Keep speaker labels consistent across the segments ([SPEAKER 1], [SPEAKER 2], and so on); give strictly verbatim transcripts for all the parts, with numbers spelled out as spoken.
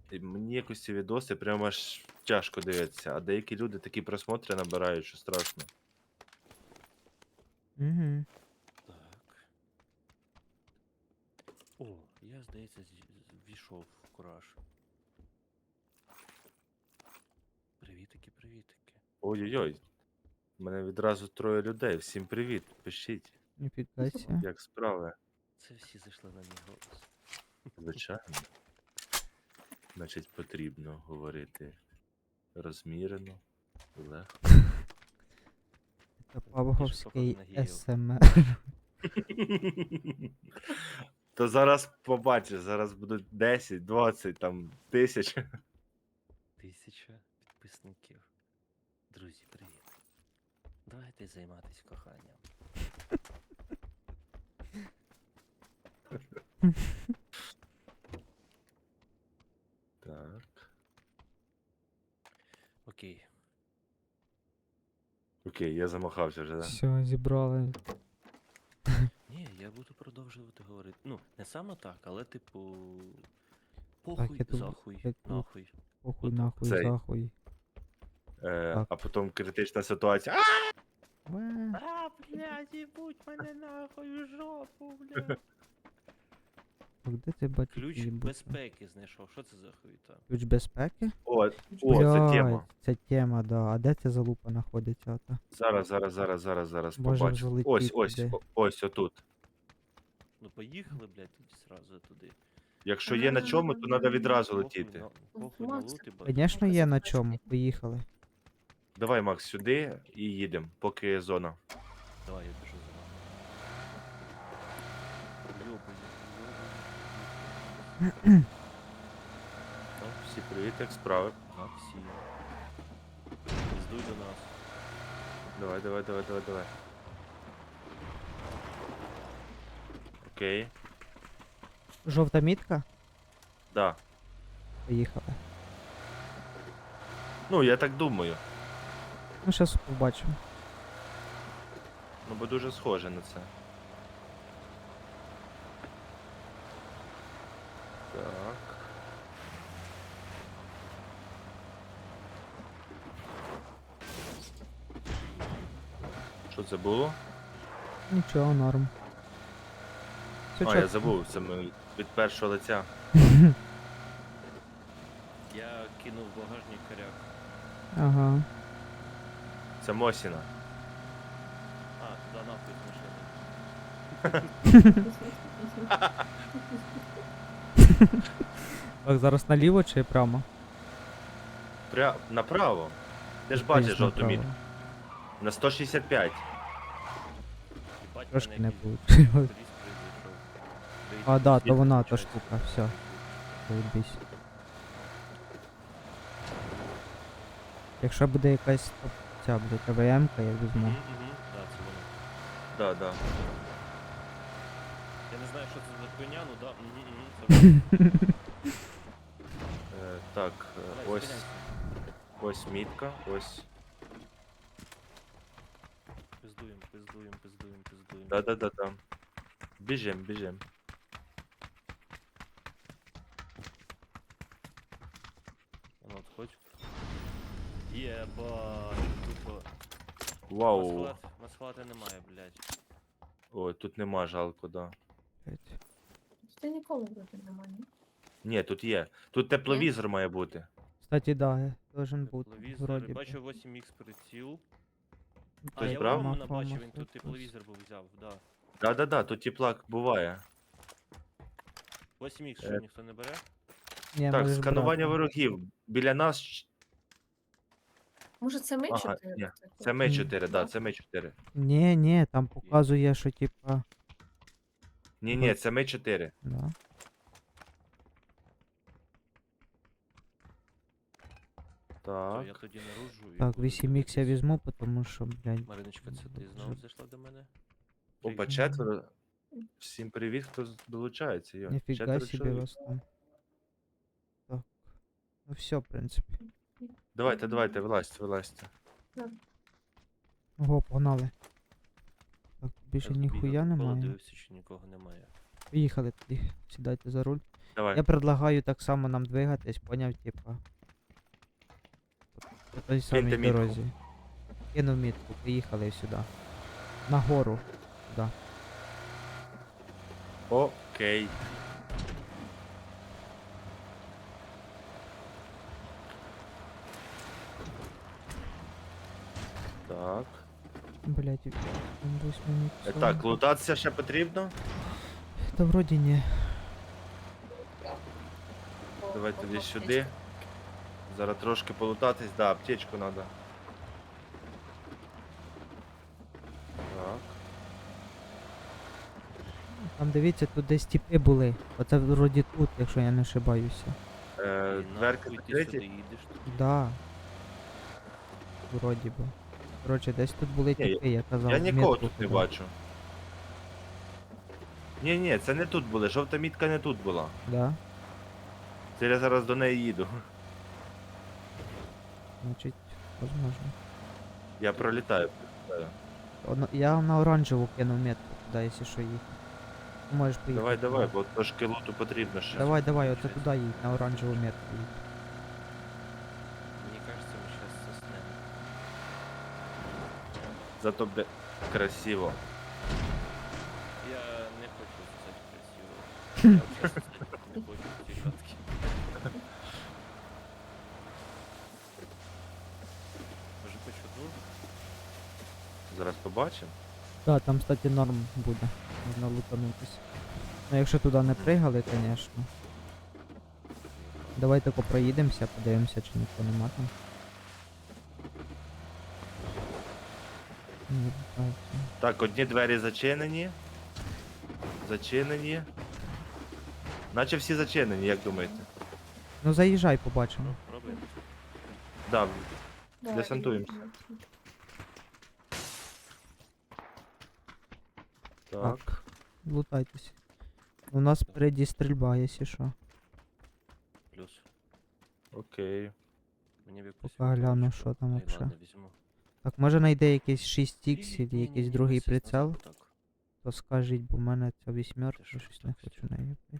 [SPEAKER 1] І мені якось ці відоси прямо аж тяжко дивитися, а деякі люди такі просмотри набирають, що страшно.
[SPEAKER 2] Угу.
[SPEAKER 3] Так. О, я, здається, зі- з- ввійшов в кураж. Привітики, привітики.
[SPEAKER 1] Ой-ой-ой. У мене відразу троє людей. Всім привіт. Пишіть,
[SPEAKER 2] Ніфіга сі.
[SPEAKER 1] як справи.
[SPEAKER 3] Це всі зайшли на мій голос.
[SPEAKER 1] Звичайно. Значить, потрібно говорити розмірено, легко.
[SPEAKER 2] Це Павговський
[SPEAKER 3] походу на геїв.
[SPEAKER 2] СМР.
[SPEAKER 1] То зараз побачиш, зараз будуть десять, двадцять, там, тисяч.
[SPEAKER 3] Тисяча підписників. Друзі, привіт. Давайте займатися коханням.
[SPEAKER 1] Так.
[SPEAKER 3] Окей.
[SPEAKER 1] Окей, я замахався вже, да?
[SPEAKER 2] Все, зібрали.
[SPEAKER 3] Ні, я буду продовжувати говорити. Ну, не саме так, але типу. Похуй,
[SPEAKER 2] я тут-
[SPEAKER 3] захуй,
[SPEAKER 2] я тут-
[SPEAKER 3] нахуй.
[SPEAKER 2] Похуй
[SPEAKER 3] Отак.
[SPEAKER 2] нахуй,
[SPEAKER 1] Цей.
[SPEAKER 2] захуй.
[SPEAKER 1] Е,
[SPEAKER 2] Так.
[SPEAKER 1] а потім критична ситуація. А!
[SPEAKER 2] Уе.
[SPEAKER 3] А, блядь, їбуть мене нахуй в жопу, блядь.
[SPEAKER 2] Так, де ти бачиш?
[SPEAKER 3] Ключ
[SPEAKER 2] їбути?
[SPEAKER 3] безпеки знайшов. Що це за хуйта?
[SPEAKER 2] Ключ безпеки?
[SPEAKER 1] О, о,
[SPEAKER 2] Блядь,
[SPEAKER 1] це тема.
[SPEAKER 2] Це тема, да. А де ця залупа знаходиться? Ото?
[SPEAKER 1] Зараз, зараз, зараз, зараз, зараз
[SPEAKER 2] Може
[SPEAKER 1] побачу.
[SPEAKER 2] залетіти
[SPEAKER 1] Ось, ось,
[SPEAKER 2] де.
[SPEAKER 1] о- ось отут.
[SPEAKER 3] Ну поїхали, блядь, тоді сразу туди.
[SPEAKER 1] Якщо є на чому, то треба відразу
[SPEAKER 3] Похуй
[SPEAKER 1] летіти.
[SPEAKER 3] на- Похуй на
[SPEAKER 4] Макс,
[SPEAKER 3] лут і бать.
[SPEAKER 2] Звісно, є на чому. Поїхали.
[SPEAKER 1] Давай, Макс, сюди і їдемо, поки зона.
[SPEAKER 3] Давай, я біжу за вами. Йобані, йобані.
[SPEAKER 1] Так, всі привіт, як справи.
[SPEAKER 3] Максим. Здуй до нас.
[SPEAKER 1] Давай, давай, давай, давай, давай. Окей.
[SPEAKER 2] Жовта мітка?
[SPEAKER 1] Да.
[SPEAKER 2] Поїхали.
[SPEAKER 1] Ну, я так думаю.
[SPEAKER 2] Ну, зараз побачимо.
[SPEAKER 1] Ну, бо дуже схоже на це. Так. Що це було?
[SPEAKER 2] Нічого, норм. Все
[SPEAKER 1] А, я
[SPEAKER 2] чітко.
[SPEAKER 1] забув, це ми від першого лиця.
[SPEAKER 3] Я кинув в багажник коряк.
[SPEAKER 2] Ага.
[SPEAKER 1] Це Мосіна.
[SPEAKER 3] А, туди нахуй з машини.
[SPEAKER 2] Так, зараз наліво чи прямо?
[SPEAKER 1] Пря... Направо. Ти ж
[SPEAKER 2] Десь
[SPEAKER 1] бачиш жовту
[SPEAKER 2] направо.
[SPEAKER 1] мітку. На сто шістдесят п'ять.
[SPEAKER 3] Їбать,
[SPEAKER 2] Трошки
[SPEAKER 3] мене
[SPEAKER 2] не
[SPEAKER 3] якийсь
[SPEAKER 2] вийшло.
[SPEAKER 3] турист прийшов.
[SPEAKER 2] А, да, то
[SPEAKER 1] Звідки
[SPEAKER 2] вона, та
[SPEAKER 1] включається?
[SPEAKER 2] штука, все. Заєбісь. Якщо буде якась топ- ця буде КВМ-ка, я візьму.
[SPEAKER 3] Мгм, мгм. Да, це воно.
[SPEAKER 1] Да, да.
[SPEAKER 3] Я не знаю, що це за хуйня, ну да. Мгм, мгм, це воно.
[SPEAKER 1] Е, так, е,
[SPEAKER 3] Давай,
[SPEAKER 1] ось,
[SPEAKER 3] зупиняйся.
[SPEAKER 1] ось мітка, ось.
[SPEAKER 3] Пиздуємо, пиздуємо, пиздуємо, пиздуємо.
[SPEAKER 1] Да, да, да, да. Біжим, біжим.
[SPEAKER 3] Ну, от хоч. Єбать, тупо.
[SPEAKER 1] Вау.
[SPEAKER 3] Масхалат, масхалата немає, блядь.
[SPEAKER 1] Ой, тут нема жалко, да.
[SPEAKER 2] Блядь.
[SPEAKER 4] Ти ніколи вроде немає, ні?
[SPEAKER 1] Ні, тут є. Тут тепловізор має бути.
[SPEAKER 2] Кстати, да, я должен бути.
[SPEAKER 3] Тепловізор,
[SPEAKER 2] Вроді би.
[SPEAKER 3] бачу восемь ікс приціл. А,
[SPEAKER 1] Хтось
[SPEAKER 3] я
[SPEAKER 1] брав?
[SPEAKER 3] Романа
[SPEAKER 2] Мафа,
[SPEAKER 3] бачив, він
[SPEAKER 2] мафа,
[SPEAKER 3] тут
[SPEAKER 2] хтось.
[SPEAKER 3] тепловізор був взяв, да.
[SPEAKER 1] Да, да, да, тут теплак буває.
[SPEAKER 3] восемь ікс
[SPEAKER 1] Е.
[SPEAKER 3] що, ніхто не бере?
[SPEAKER 2] Ні,
[SPEAKER 1] Так,
[SPEAKER 2] можеш
[SPEAKER 1] сканування
[SPEAKER 2] брати.
[SPEAKER 1] ворогів. Біля нас. ч-
[SPEAKER 4] Може це ми
[SPEAKER 1] Ага,
[SPEAKER 4] чотири?
[SPEAKER 1] ні,
[SPEAKER 4] такі?
[SPEAKER 1] Це ми
[SPEAKER 2] Ні.
[SPEAKER 1] чотири, да, це ми чотири.
[SPEAKER 2] Ні, ні, там показує, що типа.
[SPEAKER 1] Ні, ні, це ми чотири.
[SPEAKER 2] Да.
[SPEAKER 3] То я
[SPEAKER 1] Так.
[SPEAKER 3] тоді наружу і
[SPEAKER 2] Так,
[SPEAKER 3] буду
[SPEAKER 2] вісім ікс я
[SPEAKER 3] дивитись.
[SPEAKER 2] візьму, тому що, блядь.
[SPEAKER 3] Мариночка, це ти знову зайшла до мене?
[SPEAKER 1] Опа,
[SPEAKER 3] Привіт.
[SPEAKER 1] четверо. Всім привіт, хто з- долучається. Йо.
[SPEAKER 2] Ніфіга
[SPEAKER 1] Четверо
[SPEAKER 2] собі
[SPEAKER 1] чоловік.
[SPEAKER 2] вас там. Так. Ну все, в принципі.
[SPEAKER 1] Давайте, давайте, вилазьте, вилазьте.
[SPEAKER 2] Ого, погнали. Так, більше
[SPEAKER 3] Я тут
[SPEAKER 2] ніхуя
[SPEAKER 3] бігав, навколо,
[SPEAKER 2] немає.
[SPEAKER 3] Дивився, чи нікого немає.
[SPEAKER 2] Поїхали тоді. Сідайте за руль.
[SPEAKER 1] Давай.
[SPEAKER 2] Я предлагаю так само нам двигатись, поняв, типа. По той самій
[SPEAKER 1] мітку.
[SPEAKER 2] дорозі. Кинув мітку, поїхали сюди. Нагору. Сюди.
[SPEAKER 1] Окей. Так.
[SPEAKER 2] Блять, ось мені
[SPEAKER 1] Е,
[SPEAKER 2] псо.
[SPEAKER 1] Так, лутатися ще потрібно.
[SPEAKER 2] Та вроді ні.
[SPEAKER 1] Давай тоді сюди. Зараз трошки полутатись, да, аптечку треба. Так.
[SPEAKER 2] Там дивіться, тут десь тіпи були. Оце вроді тут, якщо я не ошибаюся.
[SPEAKER 1] Е,
[SPEAKER 3] І
[SPEAKER 1] дверки
[SPEAKER 3] нахуй ти сюди
[SPEAKER 1] закриті.
[SPEAKER 3] їдеш тут.
[SPEAKER 2] Да. Вроді би. Коротше, десь тут були
[SPEAKER 1] Ні,
[SPEAKER 2] тіпи, я казав.
[SPEAKER 1] Я нікого
[SPEAKER 2] метку
[SPEAKER 1] тут не
[SPEAKER 2] кидав.
[SPEAKER 1] бачу. Ні, ні, це не тут були. Жовта мітка не тут була.
[SPEAKER 2] Да?
[SPEAKER 1] Це я зараз до неї їду.
[SPEAKER 2] Значить, возможно.
[SPEAKER 1] Я пролітаю. пролітаю.
[SPEAKER 2] Одно- Я на оранжеву кинув метку туди, якщо що їхати. Ти можеш поїхати.
[SPEAKER 1] Давай, давай,
[SPEAKER 2] туди.
[SPEAKER 1] бо трошки луту потрібно ще.
[SPEAKER 2] Давай, давай, оце туди їдь, на оранжеву метку їдь.
[SPEAKER 3] Мені кажеться, ми зараз заснемо.
[SPEAKER 1] Зато буде красиво.
[SPEAKER 3] Я не хочу це красиво. Я просто не хочу ці шатки. Може хоч одну?
[SPEAKER 1] Зараз побачимо.
[SPEAKER 2] Так, там, кстати, норм буде. Можна лутанутись. Ну якщо туди не пригали, звісно. Давай тако проїдемося, подивимося, чи ніхто нема там. Ні, так, ні.
[SPEAKER 1] Так, одні двері зачинені. Зачинені. Наче всі зачинені, як думаєте?
[SPEAKER 2] Ну заїжджай, побачимо.
[SPEAKER 3] Ну, пробуємо.
[SPEAKER 1] Да,
[SPEAKER 4] Давай,
[SPEAKER 1] десантуємося.
[SPEAKER 4] давай.
[SPEAKER 1] так.
[SPEAKER 2] Лутайтесь. У нас впереді стрільба, якщо що.
[SPEAKER 3] Плюс.
[SPEAKER 1] Окей.
[SPEAKER 3] Мені б якусь
[SPEAKER 2] Поки гляну,
[SPEAKER 3] вінтовочку.
[SPEAKER 2] що там
[SPEAKER 3] Ай,
[SPEAKER 2] вообще.
[SPEAKER 3] ладно, візьму.
[SPEAKER 2] Так, може знайде якийсь шість ікс
[SPEAKER 3] Ні,
[SPEAKER 2] або
[SPEAKER 3] ні,
[SPEAKER 2] якийсь
[SPEAKER 3] ні,
[SPEAKER 2] другий
[SPEAKER 3] ось ось
[SPEAKER 2] прицел,
[SPEAKER 3] назад, так.
[SPEAKER 2] то скажіть, бо в мене ця вісьмерка,
[SPEAKER 3] Ти що,
[SPEAKER 2] щось не
[SPEAKER 3] так
[SPEAKER 2] хочу
[SPEAKER 3] стій.
[SPEAKER 2] нею блядь,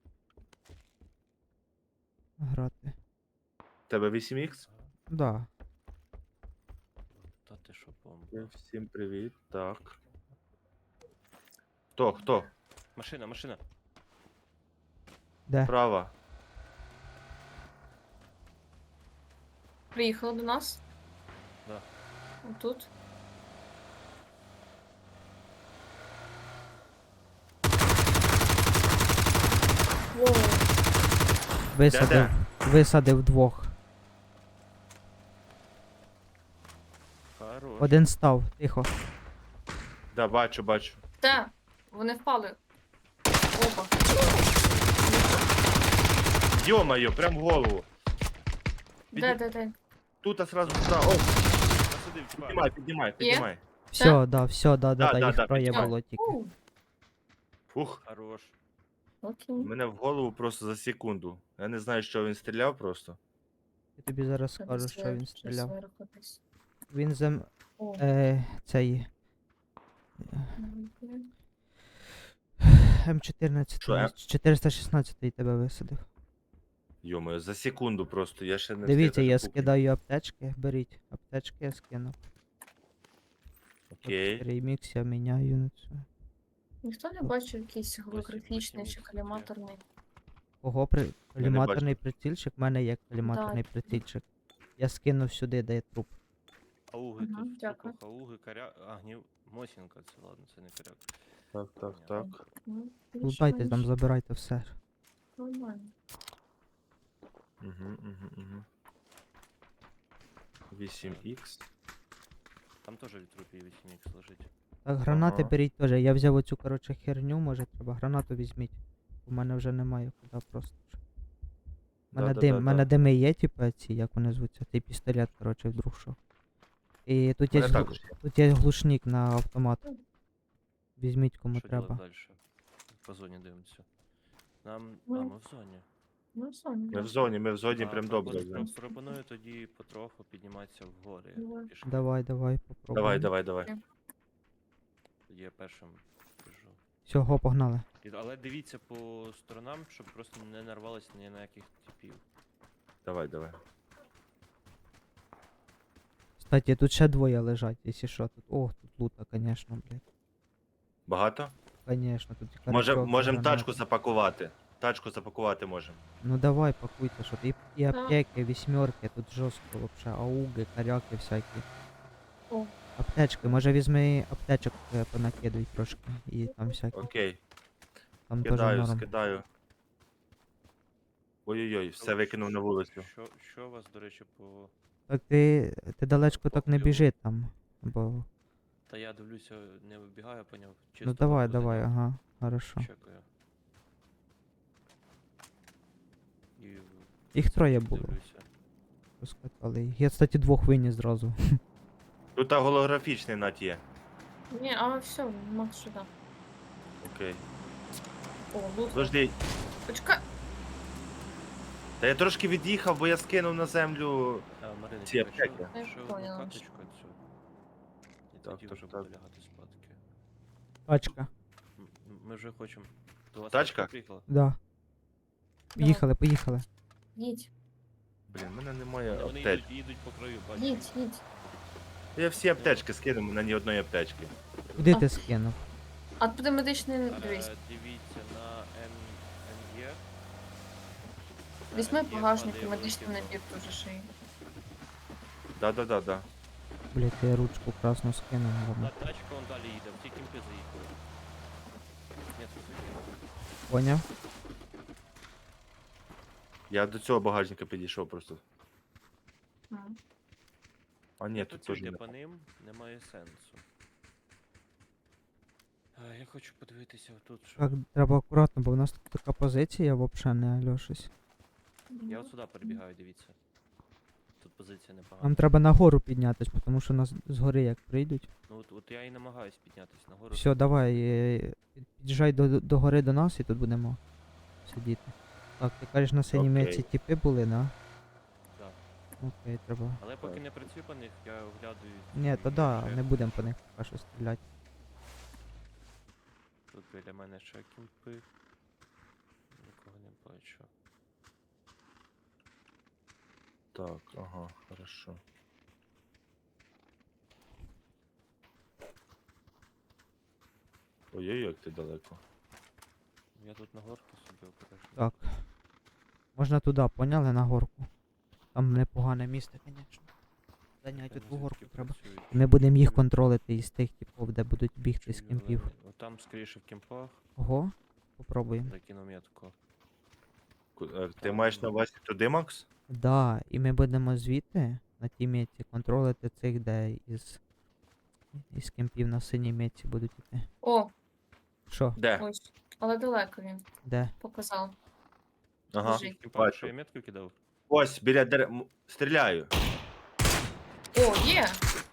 [SPEAKER 2] грати.
[SPEAKER 1] Тебе вісім ікс?
[SPEAKER 2] Да.
[SPEAKER 3] Та ти що, бомба.
[SPEAKER 1] Всім привіт. Так. Хто? Хто?
[SPEAKER 3] Машина, машина.
[SPEAKER 2] Де?
[SPEAKER 1] Права.
[SPEAKER 4] Приїхала до нас.
[SPEAKER 3] Да.
[SPEAKER 4] Отут. Воу.
[SPEAKER 2] Висадив. Висадив двох.
[SPEAKER 3] Хорош.
[SPEAKER 2] Один став, тихо.
[SPEAKER 1] Да, бачу, бачу.
[SPEAKER 4] Та, вони впали. Опа.
[SPEAKER 1] Йо-моє, прям в голову.
[SPEAKER 4] Де, де, де?
[SPEAKER 1] Тут а сразу сюди. О,
[SPEAKER 3] Посадив, чувак.
[SPEAKER 1] піднімай, піднімай, піднімай.
[SPEAKER 2] Все, да, все, да, да,
[SPEAKER 1] Да,
[SPEAKER 2] да,
[SPEAKER 1] да,
[SPEAKER 2] їх
[SPEAKER 1] да,
[SPEAKER 2] троє
[SPEAKER 1] піднімай.
[SPEAKER 2] було тільки.
[SPEAKER 4] У,
[SPEAKER 1] Фух.
[SPEAKER 3] Хорош.
[SPEAKER 4] окей.
[SPEAKER 1] Мене в голову просто за секунду. Я не знаю, що він стріляв просто.
[SPEAKER 2] Я тобі зараз
[SPEAKER 4] Треба
[SPEAKER 2] скажу, що
[SPEAKER 4] зверху,
[SPEAKER 2] він
[SPEAKER 4] щось
[SPEAKER 2] стріляв.
[SPEAKER 4] зверху десь.
[SPEAKER 2] Він зем...
[SPEAKER 4] О,
[SPEAKER 2] Е, цей...
[SPEAKER 4] нормально.
[SPEAKER 2] М чотирнадцять,
[SPEAKER 1] Що, М?
[SPEAKER 2] чотириста шістнадцять тебе висадив.
[SPEAKER 1] Йо-моє, за секунду просто, я ще не
[SPEAKER 2] Дивіться,
[SPEAKER 1] встиг
[SPEAKER 2] я
[SPEAKER 1] даже купити.
[SPEAKER 2] скидаю аптечки, беріть. Аптечки я скину.
[SPEAKER 1] Окей.
[SPEAKER 2] Ремікс я міняю на цю.
[SPEAKER 4] Ніхто не бачив якийсь голографічний
[SPEAKER 3] восім
[SPEAKER 4] чи
[SPEAKER 3] ікс
[SPEAKER 4] коліматорний.
[SPEAKER 2] Кого при... коліматорний
[SPEAKER 1] бачу.
[SPEAKER 2] прицільчик? У мене є коліматорний прицільчик. Я скинув сюди, де є труп.
[SPEAKER 3] Ауги
[SPEAKER 4] Мгм,
[SPEAKER 3] тут.
[SPEAKER 4] дякую.
[SPEAKER 3] Дякую. Ауги, коря... А, гнів... Мосінка, це ладно, це не коряк.
[SPEAKER 1] Так, так, так.
[SPEAKER 4] Ну,
[SPEAKER 2] Лутайте там,
[SPEAKER 4] більш-менш
[SPEAKER 2] забирайте все.
[SPEAKER 4] Нормально.
[SPEAKER 1] Угу, угу, угу. вісім ікс.
[SPEAKER 3] Там теж від трупів вісім ікс лежить.
[SPEAKER 2] Так, гранати
[SPEAKER 1] Ага.
[SPEAKER 2] беріть теж. Я взяв оцю, коротше, херню, може треба. Гранату візьміть. У мене вже немає куди просто. У мене дим, мене дими є, типу, ці, як вони звуться, цей пістолет, коротше, вдруг що. І тут є,
[SPEAKER 1] Мене
[SPEAKER 2] глу-
[SPEAKER 1] також.
[SPEAKER 2] тут є глушник на автомат. Візьміть кому
[SPEAKER 3] Що
[SPEAKER 2] треба.
[SPEAKER 3] далі? По зоні дивимося. Нам. А,
[SPEAKER 4] Ну,
[SPEAKER 3] ми в зоні.
[SPEAKER 4] Ну, Соня.
[SPEAKER 1] Ми в зоні, ми в зоні
[SPEAKER 3] А,
[SPEAKER 1] прям
[SPEAKER 3] пропоную-
[SPEAKER 1] добре.
[SPEAKER 3] про-
[SPEAKER 1] зараз.
[SPEAKER 3] Пропоную тоді потроху підніматися вгори.
[SPEAKER 4] Давай.
[SPEAKER 3] пішки.
[SPEAKER 2] Давай, давай, попробуй.
[SPEAKER 1] Давай, давай, давай.
[SPEAKER 3] Тоді я першим біжу.
[SPEAKER 2] Всього, погнали.
[SPEAKER 3] І- Але дивіться по сторонам, щоб просто не нарвалися ні на яких типів.
[SPEAKER 1] Давай, давай.
[SPEAKER 2] Кстати, тут ще двоє лежать, якщо що тут. Ох, тут лута, конечно, блядь.
[SPEAKER 1] Багато?
[SPEAKER 2] Конечно, тут і
[SPEAKER 1] Може,
[SPEAKER 2] карачок, і
[SPEAKER 1] можемо
[SPEAKER 2] гранати.
[SPEAKER 1] тачку запакувати. Тачку запакувати можемо.
[SPEAKER 2] Ну давай, пакуйте, що ти. І, і
[SPEAKER 4] Да.
[SPEAKER 2] аптеки, вісьмерки, тут жорстко вообще, ауги, каряки всякі.
[SPEAKER 4] О.
[SPEAKER 2] Аптечки, може візьми аптечок е, понакидуй трошки. І там всякі.
[SPEAKER 1] Окей.
[SPEAKER 2] Там теж
[SPEAKER 1] Скидаю,
[SPEAKER 2] норм.
[SPEAKER 1] скидаю. Ой-ой-ой, все
[SPEAKER 3] Що-
[SPEAKER 1] викинув на вулицю.
[SPEAKER 3] Що, що у вас, до речі, по.
[SPEAKER 2] Так ти, ти далечко так не
[SPEAKER 3] Поплю.
[SPEAKER 2] біжи там. Бо.
[SPEAKER 3] Та я дивлюся, не вибігаю, поняв. Чисто
[SPEAKER 2] Ну давай,
[SPEAKER 3] походу
[SPEAKER 2] давай,
[SPEAKER 3] не
[SPEAKER 2] ага, хорошо.
[SPEAKER 3] Чекаю. І
[SPEAKER 2] Їх троє було.
[SPEAKER 3] дивлюся.
[SPEAKER 2] Розкатали їх. Я, кстати, двох виніс зразу.
[SPEAKER 1] Тут а, голографічний нат є.
[SPEAKER 4] Ні, а все, Макс сюди.
[SPEAKER 1] Окей.
[SPEAKER 4] О, лут.
[SPEAKER 1] Подожди.
[SPEAKER 4] Почекай.
[SPEAKER 1] Та я трошки від'їхав, бо я скинув на землю.
[SPEAKER 3] А, Марина,
[SPEAKER 1] Ці
[SPEAKER 3] чекай,
[SPEAKER 1] аптеки.
[SPEAKER 3] що,
[SPEAKER 4] Я
[SPEAKER 3] що
[SPEAKER 4] поняла.
[SPEAKER 3] одну карточку цю. І
[SPEAKER 1] Так,
[SPEAKER 3] тоді
[SPEAKER 1] так,
[SPEAKER 3] вже
[SPEAKER 1] так.
[SPEAKER 3] буду лягати спадки.
[SPEAKER 2] Тачка.
[SPEAKER 3] М- м- Ми вже хочемо. До вас
[SPEAKER 1] Тачка?
[SPEAKER 3] тачка приїхала?
[SPEAKER 2] Да. Поїхали, поїхали.
[SPEAKER 4] Їдь,
[SPEAKER 1] Блін, в мене немає
[SPEAKER 3] Вони, вони
[SPEAKER 1] аптечки.
[SPEAKER 3] їдуть, їдуть по краю, бачу.
[SPEAKER 4] їдь, їдь.
[SPEAKER 1] Я всі аптечки скинув, на ні одної аптечки.
[SPEAKER 2] Куди
[SPEAKER 4] А.
[SPEAKER 2] ти скинув?
[SPEAKER 4] А туди медичний
[SPEAKER 3] Е,
[SPEAKER 4] дивись.
[SPEAKER 3] Дивіться на Н... НЄ.
[SPEAKER 4] Візьми
[SPEAKER 3] Е, є
[SPEAKER 4] багажник і
[SPEAKER 3] падає
[SPEAKER 4] медичний
[SPEAKER 3] великий
[SPEAKER 4] набір дуже шиї.
[SPEAKER 1] Да-да-да-да.
[SPEAKER 2] Блять, я ручку красну скинув.
[SPEAKER 3] блок.
[SPEAKER 2] Ладно.
[SPEAKER 3] Та тачка вон далі їде, в ті кімпи заїхали. Ні, тут заїхали.
[SPEAKER 2] Поняв?
[SPEAKER 1] Я до цього багажника підійшов просто.
[SPEAKER 4] М.
[SPEAKER 1] А ні, тут
[SPEAKER 3] Тут
[SPEAKER 1] теж
[SPEAKER 3] йде
[SPEAKER 1] не.
[SPEAKER 3] по ним, немає сенсу. А, я хочу подивитися тут, що.
[SPEAKER 2] Так, треба акуратно, бо в нас тут така позиція взагалі не альошись.
[SPEAKER 3] Я от сюди перебігаю, дивіться. Тут позиція непогана.
[SPEAKER 2] Нам треба нагору піднятись, тому що нас згори як прийдуть.
[SPEAKER 3] Ну от, от я і намагаюсь піднятися нагору.
[SPEAKER 2] Все, давай, е, під- під'їжджай до, до гори до нас і тут будемо сидіти. Так, ти кажеш, на синій
[SPEAKER 1] Окей.
[SPEAKER 2] меці тіпи були, да?
[SPEAKER 3] Да.
[SPEAKER 2] Окей, треба.
[SPEAKER 3] Але поки не працюю по них, я оглядую.
[SPEAKER 2] Ні, то
[SPEAKER 3] ці
[SPEAKER 2] да,
[SPEAKER 3] ще.
[SPEAKER 2] не будемо по них поки що стріляти.
[SPEAKER 3] Тут біля мене ще кімпи. Нікого не бачу.
[SPEAKER 1] Так, ага, хорошо. Ой-ой, як ти далеко.
[SPEAKER 3] Я тут на горку собі обережно.
[SPEAKER 2] Так. Можна туди, поняли, на горку. Там непогане місце, звісно. Зайняти
[SPEAKER 3] Я
[SPEAKER 2] ту
[SPEAKER 3] не
[SPEAKER 2] горку
[SPEAKER 3] звідки
[SPEAKER 2] треба.
[SPEAKER 3] працюють.
[SPEAKER 2] Ми будемо їх контролити із тих типів, де будуть бігти з
[SPEAKER 3] Чую
[SPEAKER 2] кемпів.
[SPEAKER 3] зелені. От там скоріше в кемпах,
[SPEAKER 2] Ого, попробуємо.
[SPEAKER 3] закину метку.
[SPEAKER 1] Ку- е, Ти
[SPEAKER 3] Там-
[SPEAKER 1] маєш на увазі туди, Макс?
[SPEAKER 2] Да, і ми будемо звідти на тій меті контролити цих, де із, із кемпів на синій меті будуть іти.
[SPEAKER 4] О,
[SPEAKER 2] Що?
[SPEAKER 1] Де?
[SPEAKER 4] ось. Але далеко він
[SPEAKER 2] Де?
[SPEAKER 4] показав.
[SPEAKER 1] Ага.
[SPEAKER 4] Лежить.
[SPEAKER 3] В кемпах
[SPEAKER 1] бачу.
[SPEAKER 3] що я метку кидав?
[SPEAKER 1] Ось, біля дерев. М, Стріляю.
[SPEAKER 4] О, є!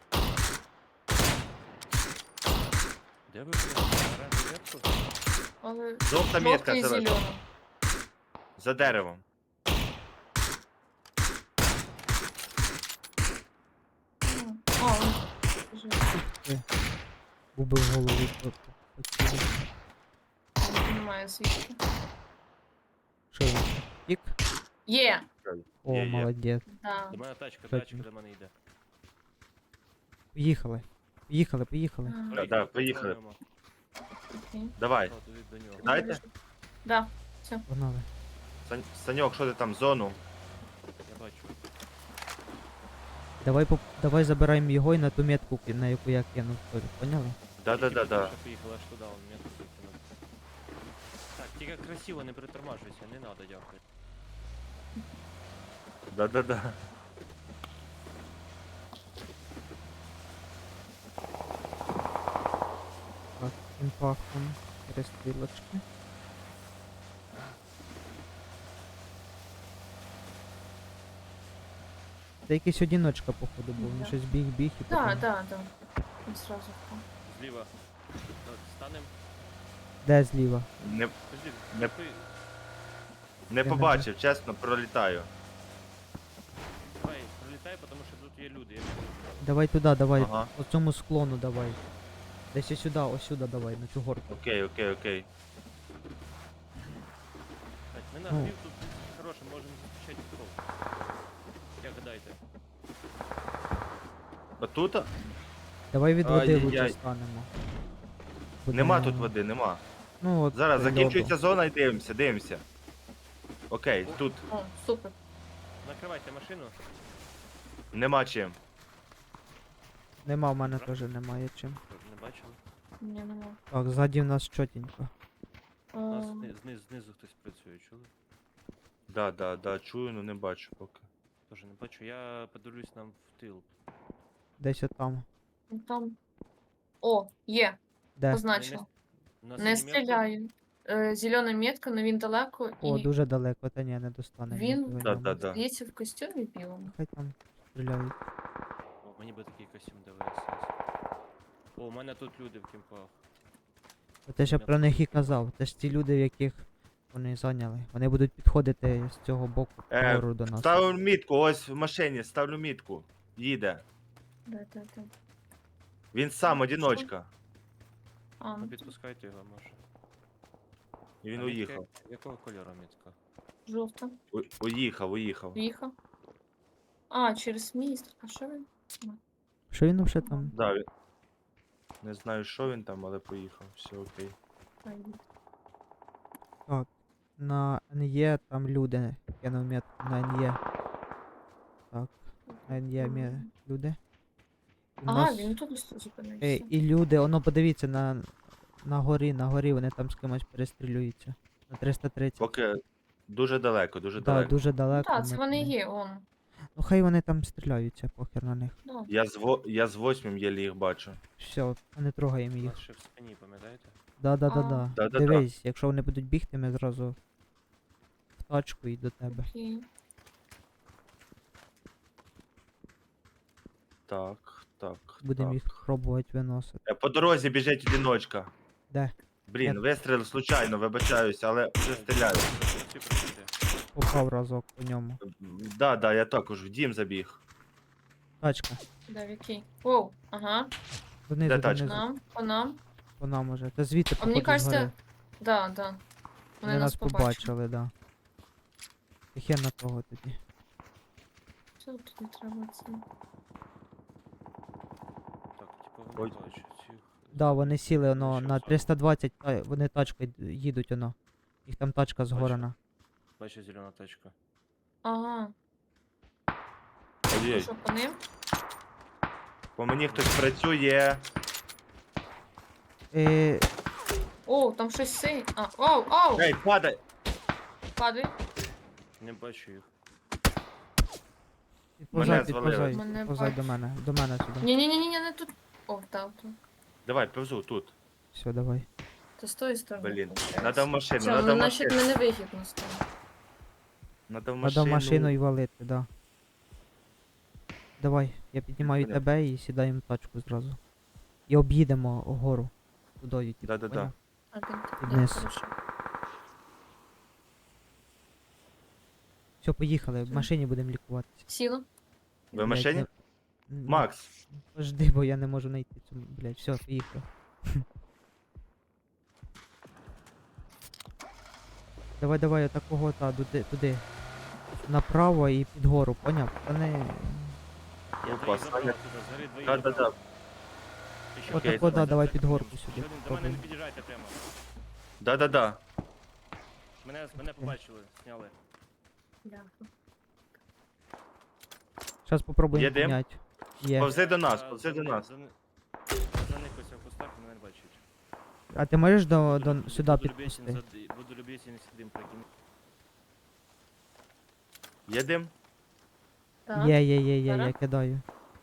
[SPEAKER 3] Де ви були? Оранжеву метку?
[SPEAKER 4] Але
[SPEAKER 1] Жовта метка
[SPEAKER 4] жовтий і
[SPEAKER 1] зелена.
[SPEAKER 4] зелений.
[SPEAKER 1] За деревом.
[SPEAKER 4] М. А, он лежить.
[SPEAKER 2] Убив голову. по- по- поцілив.
[SPEAKER 4] Немає звідки.
[SPEAKER 2] Що він? Тік?
[SPEAKER 4] Є!
[SPEAKER 2] О,
[SPEAKER 1] Є, є.
[SPEAKER 2] молодець.
[SPEAKER 4] Да.
[SPEAKER 3] До мене тачка,
[SPEAKER 2] Що
[SPEAKER 3] тачка
[SPEAKER 2] там?
[SPEAKER 3] до мене йде.
[SPEAKER 2] Поїхали. Поїхали, поїхали.
[SPEAKER 4] Ага,
[SPEAKER 1] Да, да, поїхали.
[SPEAKER 3] контролюємо.
[SPEAKER 4] окей.
[SPEAKER 1] Давай.
[SPEAKER 3] О, туди до нього.
[SPEAKER 1] Дайте.
[SPEAKER 4] Да.
[SPEAKER 2] Погнали.
[SPEAKER 1] Сань- Саньок, що ти там, зону?
[SPEAKER 3] Я бачу.
[SPEAKER 2] Давай, поп- давай забираємо його і на ту метку, ки- на яку я кинув. теж, Поняли?
[SPEAKER 1] Да-да-да-да.
[SPEAKER 3] Ще поїхала аж туди, он метку закинув. Так, тільки красиво не притормажуйся, не надо, дякую.
[SPEAKER 1] Да-да-да.
[SPEAKER 2] Так, імпактом. Перестрілочки. Це якийсь одіночка, походу, був. Він
[SPEAKER 4] Да.
[SPEAKER 2] щось біг-біг і
[SPEAKER 4] Да,
[SPEAKER 2] потім-
[SPEAKER 4] да, да. Він сразу впав.
[SPEAKER 3] Зліва. Ну, станем.
[SPEAKER 2] Де зліва?
[SPEAKER 1] Не,
[SPEAKER 3] Подожди,
[SPEAKER 1] Не-
[SPEAKER 3] кемпи.
[SPEAKER 1] не
[SPEAKER 2] не
[SPEAKER 1] побачив, чесно, пролітаю.
[SPEAKER 3] Давай, пролітай, тому що тут є люди. Я не знаю.
[SPEAKER 2] Давай туди, давай.
[SPEAKER 1] Ага.
[SPEAKER 2] По цьому склону давай. Десь ось сюди, ось сюди давай, на цю горку.
[SPEAKER 1] Окей, окей, окей.
[SPEAKER 3] нагрів тут хороше, можемо зустрічати кров. Як гадаєте?
[SPEAKER 1] Отут?
[SPEAKER 2] Давай від води лучше
[SPEAKER 1] Ай-яй-яй.
[SPEAKER 2] станемо.
[SPEAKER 1] Нема
[SPEAKER 2] Буде-
[SPEAKER 1] тут води, нема.
[SPEAKER 2] Ну, от
[SPEAKER 1] Зараз
[SPEAKER 2] льоду.
[SPEAKER 1] закінчується зона і дивимося, дивимося. Окей, тут
[SPEAKER 4] О, супер.
[SPEAKER 3] Накривайте машину.
[SPEAKER 1] нема чим.
[SPEAKER 2] Нема, в мене теж немає чим.
[SPEAKER 3] Щоб не бачили.
[SPEAKER 4] Ні, нема.
[SPEAKER 2] Так, ззаді в нас чотенько.
[SPEAKER 3] У нас
[SPEAKER 4] А,
[SPEAKER 3] зни- зниз, знизу хтось працює, чули?
[SPEAKER 1] Да, да, да, чую, но не бачу поки.
[SPEAKER 3] Тоже не бачу. Я подивлюсь нам в тил.
[SPEAKER 2] Десь отам.
[SPEAKER 4] ну там. О, є,
[SPEAKER 2] Де?
[SPEAKER 4] позначила.
[SPEAKER 3] У нас
[SPEAKER 4] Не
[SPEAKER 3] сині метки.
[SPEAKER 4] стріляю. Е, зелена метка, але він далеко
[SPEAKER 2] О,
[SPEAKER 4] і
[SPEAKER 2] дуже далеко, та ні, не достане.
[SPEAKER 4] Він-
[SPEAKER 2] нікого
[SPEAKER 1] Да,
[SPEAKER 2] ньому.
[SPEAKER 1] да, да.
[SPEAKER 4] здається в костюмі білому.
[SPEAKER 2] Хай там стріляють.
[SPEAKER 3] О, мені би такий костюм ДВС. О, у мене тут люди в кімпах.
[SPEAKER 2] От я ще про них і казав. Це ж ті люди, в яких вони зайняли. Вони будуть підходити з цього боку
[SPEAKER 1] Е,
[SPEAKER 2] вгору до нас.
[SPEAKER 1] Ставлю мітку, ось в машині, ставлю мітку. Їде.
[SPEAKER 4] Да, да, да.
[SPEAKER 1] Він сам
[SPEAKER 4] Що?
[SPEAKER 1] одіночка.
[SPEAKER 4] А,
[SPEAKER 3] Ну
[SPEAKER 4] ну,
[SPEAKER 3] підпускайте його, може.
[SPEAKER 1] І він
[SPEAKER 3] А мітка
[SPEAKER 1] уїхав.
[SPEAKER 3] як- Якого кольору мітка?
[SPEAKER 4] жовта.
[SPEAKER 1] У- Уїхав, уїхав.
[SPEAKER 4] В'їхав. А, через міст. А що він?
[SPEAKER 2] Що він вже там?
[SPEAKER 1] Да, він... Не знаю, що він там, але поїхав. Все окей.
[SPEAKER 4] Пойду.
[SPEAKER 2] На ен є там люди. Кинув метку на ен є. Так, на ен є мє- люди. У
[SPEAKER 4] А,
[SPEAKER 2] нас-
[SPEAKER 4] він тут зупинився.
[SPEAKER 2] Е, і люди, воно подивіться на, на горі, на горі вони там з кимось перестрілюються. На триста тридцять.
[SPEAKER 1] Поки дуже далеко, дуже
[SPEAKER 2] Да,
[SPEAKER 1] далеко.
[SPEAKER 2] дуже
[SPEAKER 4] Ну
[SPEAKER 2] далеко.
[SPEAKER 4] так, це
[SPEAKER 2] ми
[SPEAKER 4] вони
[SPEAKER 2] туди.
[SPEAKER 4] є, он.
[SPEAKER 2] Ну хай вони там стріляються, похер на них.
[SPEAKER 4] Да.
[SPEAKER 1] Я з, во... я з восьмим єлі їх бачу.
[SPEAKER 2] Все, не трогаємо
[SPEAKER 3] У
[SPEAKER 2] їх.
[SPEAKER 3] нас ще в спині, пам'ятаєте?
[SPEAKER 2] Да, да, да,
[SPEAKER 4] А.
[SPEAKER 2] да.
[SPEAKER 1] Да-да-да.
[SPEAKER 2] Дивись, якщо вони будуть бігти, ми зразу в тачку і до тебе.
[SPEAKER 4] Окей.
[SPEAKER 1] Так, так.
[SPEAKER 2] Будемо
[SPEAKER 1] так.
[SPEAKER 2] їх пробувати виносити.
[SPEAKER 1] Е, По дорозі біжить одіночка.
[SPEAKER 2] Де?
[SPEAKER 1] Блін,
[SPEAKER 2] Я-
[SPEAKER 1] вистріл случайно, вибачаюсь, але вже стріляю.
[SPEAKER 3] Всі працюйте.
[SPEAKER 2] Попав разок по ньому.
[SPEAKER 1] Да, да, я також в дім забіг.
[SPEAKER 2] Тачка.
[SPEAKER 4] Да, в який? Оу, ага.
[SPEAKER 2] Донизу,
[SPEAKER 1] Де тачка?
[SPEAKER 2] донизу.
[SPEAKER 4] Нам, по нам.
[SPEAKER 2] По нам уже. Та звідти
[SPEAKER 4] А мені
[SPEAKER 2] походу згори.
[SPEAKER 4] кажеться, да, да.
[SPEAKER 2] Вони нас побачили, да. І хер на того тоді.
[SPEAKER 4] Що тут не треба це?
[SPEAKER 3] Так, типу
[SPEAKER 1] Ой.
[SPEAKER 3] вони бачать цих.
[SPEAKER 2] Да, вони сіли воно
[SPEAKER 3] Що
[SPEAKER 2] на
[SPEAKER 3] це?
[SPEAKER 2] триста двадцять, та, вони тачкою д- їдуть воно. Їх там тачка згорена.
[SPEAKER 3] Бачу зелена тачка.
[SPEAKER 4] Ага.
[SPEAKER 1] Ой,
[SPEAKER 4] Що по ним?
[SPEAKER 1] по мені хтось працює.
[SPEAKER 2] Е,
[SPEAKER 4] Оу, там щось синє. А, оу, оу!
[SPEAKER 1] Ей, падай!
[SPEAKER 4] Падай.
[SPEAKER 3] Не бачу їх.
[SPEAKER 2] підповзай,
[SPEAKER 1] звалили.
[SPEAKER 2] підповзай,
[SPEAKER 4] Мене
[SPEAKER 2] підповзай
[SPEAKER 4] бачу.
[SPEAKER 2] до мене, до мене сюди.
[SPEAKER 4] Ні-ні-ні, не тут. О, так, тут.
[SPEAKER 1] Давай, повзу тут.
[SPEAKER 2] Все, давай.
[SPEAKER 4] То з тої сторони.
[SPEAKER 1] Блін,
[SPEAKER 4] получається.
[SPEAKER 1] надо в машину,
[SPEAKER 4] Все,
[SPEAKER 1] надо
[SPEAKER 4] ну,
[SPEAKER 1] в
[SPEAKER 4] значить,
[SPEAKER 1] машину.
[SPEAKER 4] мене вигідно стало.
[SPEAKER 1] Надо в
[SPEAKER 2] Надо
[SPEAKER 1] машину.
[SPEAKER 2] в машину і валити, да. Давай, я піднімаю
[SPEAKER 1] Понятно.
[SPEAKER 2] тебе і сідаємо в тачку зразу. І об'їдемо гору. Тудою, типу,
[SPEAKER 1] Да-да-да.
[SPEAKER 2] поняв?
[SPEAKER 4] А, ти,
[SPEAKER 2] І
[SPEAKER 4] да,
[SPEAKER 2] вниз.
[SPEAKER 4] хорошо.
[SPEAKER 2] Все, поїхали, в
[SPEAKER 4] Все.
[SPEAKER 2] машині будемо лікуватися.
[SPEAKER 4] Сіла.
[SPEAKER 1] Ви в
[SPEAKER 2] Блядь,
[SPEAKER 1] машині?
[SPEAKER 2] не- М,
[SPEAKER 1] Макс,
[SPEAKER 2] Жди, бо я не можу знайти цю, блядь, все, поїхав. Давай, давай, отакого, та, туди, туди. Направо і під гору, поняв? Та не...
[SPEAKER 3] Я
[SPEAKER 1] Опа,
[SPEAKER 3] двоїх забрав
[SPEAKER 1] Саня.
[SPEAKER 3] туди, згори двоїх
[SPEAKER 1] да-да-да.
[SPEAKER 3] забрав. І ще
[SPEAKER 1] Окей,
[SPEAKER 2] Отако, да,
[SPEAKER 3] один.
[SPEAKER 2] давай під горку
[SPEAKER 3] Ще
[SPEAKER 2] сюди.
[SPEAKER 3] один. До мене не
[SPEAKER 2] попробуємо.
[SPEAKER 3] під'їжджайте прямо.
[SPEAKER 1] Да-да-да.
[SPEAKER 3] Мене, мене побачили, зняли.
[SPEAKER 4] Дякую.
[SPEAKER 2] Зараз попробуємо
[SPEAKER 1] Є дим?
[SPEAKER 2] підняти. Є.
[SPEAKER 1] Повзи до нас,
[SPEAKER 3] А,
[SPEAKER 1] повзи до
[SPEAKER 3] за-
[SPEAKER 1] нас.
[SPEAKER 3] за- Заникався в кустах, мене не бачать.
[SPEAKER 2] А ти можеш до, до,
[SPEAKER 3] Буду-
[SPEAKER 2] сюди
[SPEAKER 3] буду любезен
[SPEAKER 2] підпусти?
[SPEAKER 3] за- Буду любезен сюди прокинути.
[SPEAKER 1] Є дим?
[SPEAKER 4] Так.
[SPEAKER 2] Є, є, є, є, я
[SPEAKER 4] Зараз.
[SPEAKER 2] кидаю.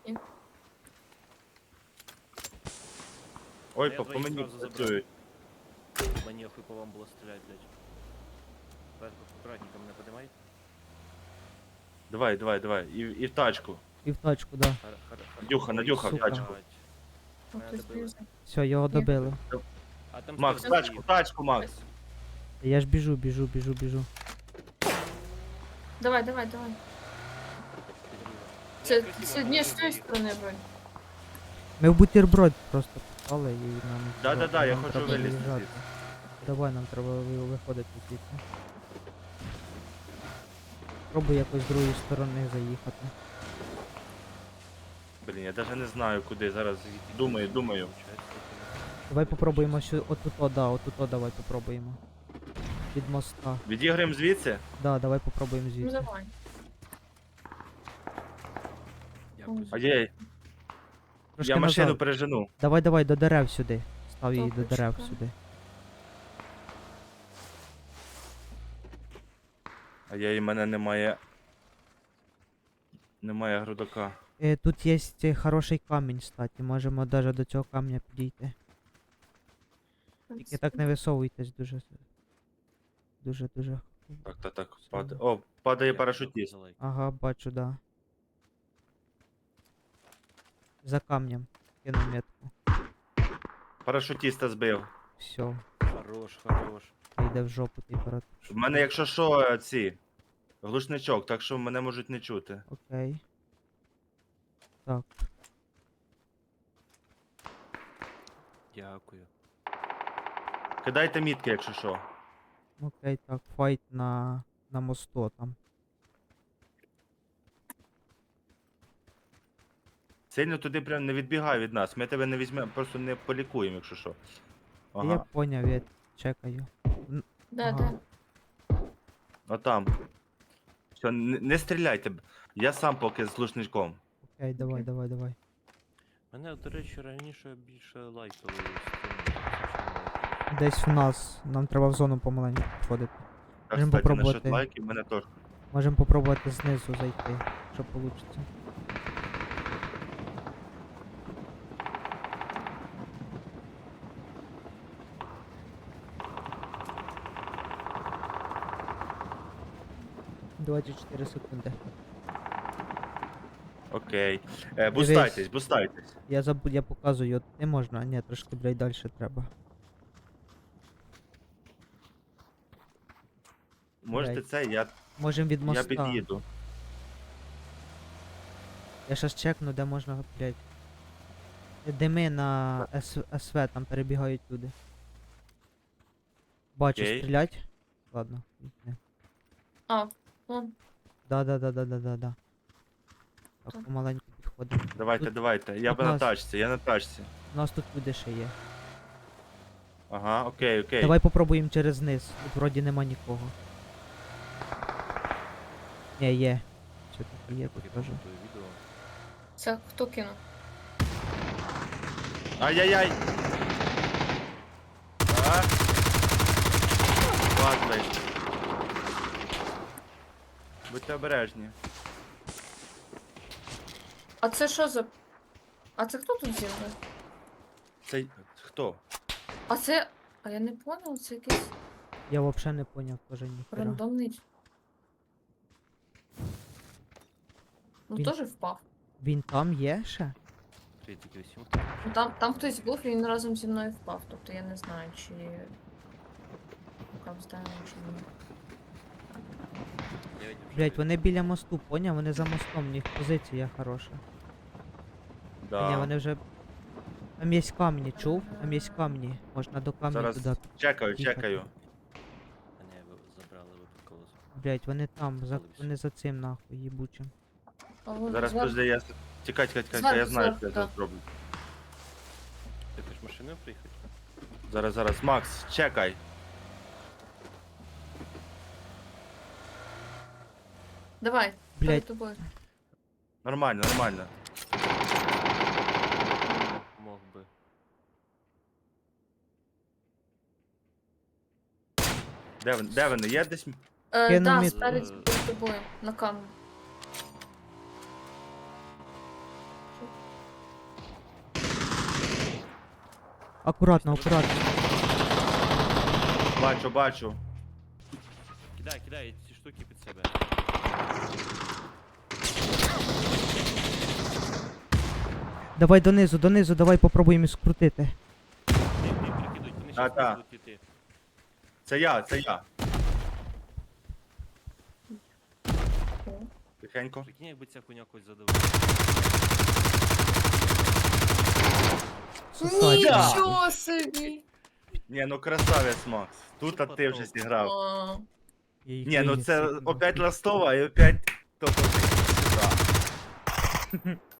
[SPEAKER 1] Ой,
[SPEAKER 3] Я
[SPEAKER 1] по, по
[SPEAKER 3] двоїх
[SPEAKER 1] мені
[SPEAKER 3] зразу забрав.
[SPEAKER 1] працюють.
[SPEAKER 3] Мені охуй по вам було стріляти, блядь. Так, аккуратненько мене подимай.
[SPEAKER 1] Давай, давай, давай. І, і в тачку.
[SPEAKER 2] І в тачку, да.
[SPEAKER 3] Хар- хар- хар-
[SPEAKER 1] Надюха, Надюха, в
[SPEAKER 2] Сука.
[SPEAKER 1] тачку.
[SPEAKER 3] Блядь.
[SPEAKER 4] О,
[SPEAKER 3] Мене
[SPEAKER 4] хтось
[SPEAKER 3] добили.
[SPEAKER 4] біжить.
[SPEAKER 2] Все, його
[SPEAKER 4] Є.
[SPEAKER 2] добили.
[SPEAKER 3] А там
[SPEAKER 1] Макс, в
[SPEAKER 3] хтось
[SPEAKER 1] тачку, в
[SPEAKER 3] стоїть.
[SPEAKER 1] тачку, Макс.
[SPEAKER 2] Я ж біжу, біжу, біжу, біжу.
[SPEAKER 4] Давай, давай, давай.
[SPEAKER 3] Підрізав.
[SPEAKER 4] Це,
[SPEAKER 3] Я красиво
[SPEAKER 4] це ні, з тої
[SPEAKER 3] підрізав.
[SPEAKER 4] сторони вроді.
[SPEAKER 2] Ми в бутерброд просто попали і нам.
[SPEAKER 1] Да-да-да, я
[SPEAKER 2] нам
[SPEAKER 1] хочу
[SPEAKER 2] треба
[SPEAKER 1] вилізти
[SPEAKER 2] виїжджати.
[SPEAKER 1] звідси.
[SPEAKER 2] Давай, нам треба ви- виходити звідси. Пробуй якось з другої сторони заїхати.
[SPEAKER 1] Блін, я навіть не знаю куди. Зараз думаю, думаю.
[SPEAKER 3] Получається, таки не-
[SPEAKER 2] Давай попробуємо сю... отут-о, да, отут-о давай попробуємо. Від моста.
[SPEAKER 1] Відіграємо звідси?
[SPEAKER 2] Да, давай попробуємо
[SPEAKER 4] Ну
[SPEAKER 2] звідси.
[SPEAKER 4] давай.
[SPEAKER 3] Дякую за
[SPEAKER 1] А я,
[SPEAKER 2] Трошки
[SPEAKER 1] я машину
[SPEAKER 2] назад.
[SPEAKER 1] пережену.
[SPEAKER 2] Давай, давай, до дерев сюди. Став її до дерев
[SPEAKER 4] Топочка.
[SPEAKER 2] сюди.
[SPEAKER 1] А я і мене немає. Немає грудака.
[SPEAKER 2] Е, тут є е, хороший камінь, кстати. Можемо навіть до цього камня підійти. Тільки так не висовуйтесь дуже. с- Дуже, дуже.
[SPEAKER 1] Так, так, так.
[SPEAKER 2] Все.
[SPEAKER 1] Падає. О, падає
[SPEAKER 3] Дякую
[SPEAKER 1] парашутіст.
[SPEAKER 3] за лайк.
[SPEAKER 2] Ага, бачу, да. За камнем. Кину метку.
[SPEAKER 1] Парашутіста збив.
[SPEAKER 2] Все.
[SPEAKER 3] Хорош, хорош.
[SPEAKER 2] Йде в жопу той парад.
[SPEAKER 1] В мене, якщо що, ці. Глушничок, так що мене можуть не чути.
[SPEAKER 2] Окей. Так.
[SPEAKER 3] Дякую.
[SPEAKER 1] Кидайте мітки, якщо що.
[SPEAKER 2] Окей, так. Файт на, на мосту там.
[SPEAKER 1] Сильно туди прям не відбігай від нас. Ми тебе не візьмемо, просто не полікуємо, якщо що.
[SPEAKER 2] Я
[SPEAKER 1] Ага.
[SPEAKER 2] поняв, я чекаю.
[SPEAKER 4] Да,
[SPEAKER 2] Ага.
[SPEAKER 4] да.
[SPEAKER 1] Отам. Все, не, не стріляйте. Я сам поки з глушничком.
[SPEAKER 2] Окей, давай,
[SPEAKER 4] Окей.
[SPEAKER 2] давай, давай.
[SPEAKER 3] Мене, до речі, раніше більше лайкали стріми.
[SPEAKER 2] Десь в нас. Нам треба в зону помаленьку підходити.
[SPEAKER 1] Так,
[SPEAKER 2] Можемо
[SPEAKER 1] кстати, насчет
[SPEAKER 2] попробувати.
[SPEAKER 1] лайків, мене теж.
[SPEAKER 2] Можемо попробувати знизу зайти, що вийде. двадцять чотири секунди.
[SPEAKER 1] Окей. Е, бустайтесь,
[SPEAKER 2] Дивись.
[SPEAKER 1] бустайтесь.
[SPEAKER 2] Я забув, я показую, от не можна, а ні, трошки, блядь, далі треба.
[SPEAKER 1] Можете
[SPEAKER 2] Блядь.
[SPEAKER 1] це, я,
[SPEAKER 2] Можемо від
[SPEAKER 1] я
[SPEAKER 2] моста.
[SPEAKER 1] під'їду.
[SPEAKER 2] Я щас чекну, де можна, блядь. Дими на С- СВ, там перебігають люди. Бачу,
[SPEAKER 1] Окей.
[SPEAKER 2] стрілять. Ладно. Не.
[SPEAKER 4] А, вон.
[SPEAKER 2] Да, да, да, да, да, да, да. Так,
[SPEAKER 4] Так.
[SPEAKER 2] помаленьку підходимо.
[SPEAKER 1] Давайте,
[SPEAKER 2] Тут-
[SPEAKER 1] давайте. Я
[SPEAKER 2] тут
[SPEAKER 1] б на
[SPEAKER 2] нас-
[SPEAKER 1] тачці, я на тачці.
[SPEAKER 2] У нас тут люди ще є.
[SPEAKER 1] Ага, окей, окей.
[SPEAKER 2] Давай попробуємо через низ. Тут вроді нема нікого. Ні, є. Все таки є тут
[SPEAKER 3] Поки
[SPEAKER 2] теж.
[SPEAKER 3] коментую відео.
[SPEAKER 4] Це хто кинув?
[SPEAKER 1] Ай-яй-яй! А? Падлий. Будьте обережні.
[SPEAKER 4] А це що за. А це хто тут з'явився?
[SPEAKER 1] Це хто?
[SPEAKER 4] А це. А я не понял, це якийсь
[SPEAKER 2] Я взагалі не поняв теж ніхера.
[SPEAKER 4] рандомний. Ну
[SPEAKER 2] Він-
[SPEAKER 4] теж впав.
[SPEAKER 2] Він там є ще?
[SPEAKER 3] тридцять вісім.
[SPEAKER 4] Ну там, там хтось був і він разом зі мною впав. Тобто я не знаю, чи. Як знаємо, чи ні.
[SPEAKER 3] дев'ять вже
[SPEAKER 2] Блять,
[SPEAKER 3] є.
[SPEAKER 2] вони біля мосту, поняв? Вони за мостом, в них позиція хороша.
[SPEAKER 1] Да.
[SPEAKER 2] Ні, вони вже. Там є камні, чув? Там є камні. Можна до камня
[SPEAKER 1] Зараз
[SPEAKER 2] туди.
[SPEAKER 1] чекаю,
[SPEAKER 2] їхати.
[SPEAKER 1] чекаю.
[SPEAKER 3] А ні, ви забрали випадково.
[SPEAKER 2] Блять, вони там, за...
[SPEAKER 3] Залився.
[SPEAKER 2] вони за цим нахуй їбучим.
[SPEAKER 4] А вон
[SPEAKER 1] Зараз
[SPEAKER 4] зверху.
[SPEAKER 1] подожди, я... с- Тікай, тікай, тікай,
[SPEAKER 4] Зверху,
[SPEAKER 1] я знаю,
[SPEAKER 4] зверху,
[SPEAKER 1] що я
[SPEAKER 4] да.
[SPEAKER 1] зараз зроблю.
[SPEAKER 3] Ти хочеш машиною приїхати?
[SPEAKER 1] Зараз, зараз. Макс, чекай.
[SPEAKER 4] Давай,
[SPEAKER 2] Блядь.
[SPEAKER 4] перед тобою.
[SPEAKER 1] Нормально, нормально.
[SPEAKER 3] Мог би.
[SPEAKER 1] Де вони? Де вони? Є десь?
[SPEAKER 4] Е,
[SPEAKER 2] Кину
[SPEAKER 4] да,
[SPEAKER 2] мід.
[SPEAKER 4] спереді перед тобою, на камеру.
[SPEAKER 2] Акуратно, акуратно.
[SPEAKER 1] Бачу, бачу.
[SPEAKER 3] Кидай, кидай ці штуки під себе.
[SPEAKER 2] Давай донизу, донизу, давай попробуємо скрутити.
[SPEAKER 3] Ти, ти прикидуй, вони
[SPEAKER 1] А,
[SPEAKER 3] щас
[SPEAKER 1] та.
[SPEAKER 3] будуть іти.
[SPEAKER 1] Це я, це я.
[SPEAKER 4] О.
[SPEAKER 1] Тихенько.
[SPEAKER 3] Прикинь, якби ця хуйня когось задавила.
[SPEAKER 2] Сосать.
[SPEAKER 4] Нічого собі!
[SPEAKER 1] Ні, ну красавець, Макс. Тут а ти вже
[SPEAKER 3] потом?
[SPEAKER 1] зіграв.
[SPEAKER 4] О,
[SPEAKER 2] Я їх
[SPEAKER 1] Ні, ну
[SPEAKER 2] виніс
[SPEAKER 1] це
[SPEAKER 2] всіх,
[SPEAKER 1] опять ластова і опять то